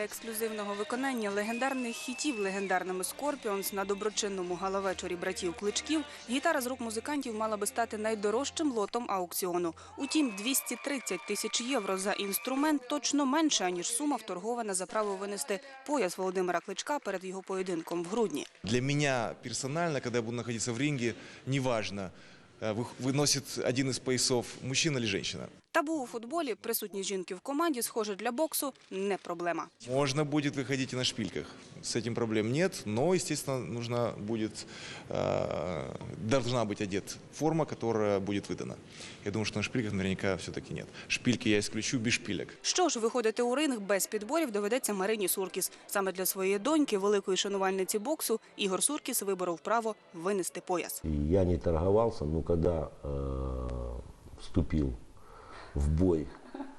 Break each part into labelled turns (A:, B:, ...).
A: ексклюзивного виконання легендарних хітів легендарними Скорпіонс на доброчинному галавечорі братів Кличків гітара з рук музикантів мала би стати найдорожчим лотом аукціону. Утім, 230 тисяч євро за інструмент точно менше, аніж сума, вторгована за право винести пояс Володимира Кличка перед його поєдинком в грудні.
B: Для мене персонально, коли я буду знаходитися в рингі, неважно, виносить один із поясов мужчина чи жінка.
A: Табу у футболі, присутність жінки в команді, схоже, для боксу не проблема.
B: Можно будет выходить и на шпильках. С этим проблем нет, но, естественно, должна быть одета форма, которая будет выдана. Я думаю, что на шпильках наверняка все-таки нет. Шпильки я исключу без шпилек.
A: Що ж, виходити у ринг без підборів доведеться Марині Суркіс. Саме для своєї доньки, великої шанувальниці боксу, Ігор Суркіс виборов право винести пояс.
C: Я не торговался, но когда вступил в бой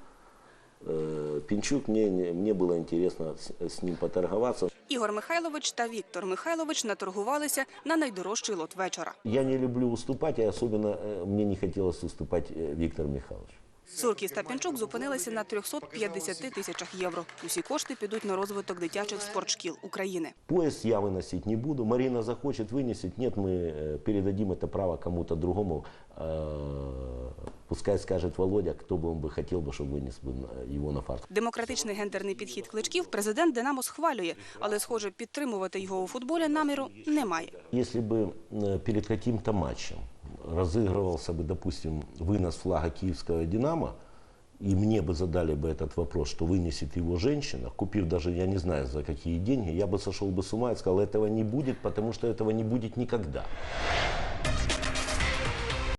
C: Пінчук, мне было интересно с ним поторговаться.
A: Ігор Михайлович та Віктор Михайлович наторгувалися на найдорожчий лот вечора.
C: Я не люблю уступать, и особенно мне не хотелось уступать Виктору Михайловичу.
A: Суркіс та Пінчук зупинилися на 350 тисячах євро. Усі кошти підуть на розвиток дитячих спортшкіл України.
C: Пояс я выносить не буду. Марина захочет вынесет. Нет, мы передадим это право кому-то другому. Пускай скажет Володя, кто бы он бы хотел, чтобы вынес его на фарт.
A: Демократичний гендерний підхід Кличків президент «Динамо» схвалює, але, схоже, підтримувати його у футболі наміру немає.
C: Если бы перед каким-то матчем разыгрывался бы, допустим, вынос флага киевского «Динамо», и мне бы задали бы этот вопрос, что вынесет его женщина, купив даже, я не знаю, за какие деньги, я бы сошел бы с ума и сказал, этого не будет, потому что этого не будет никогда.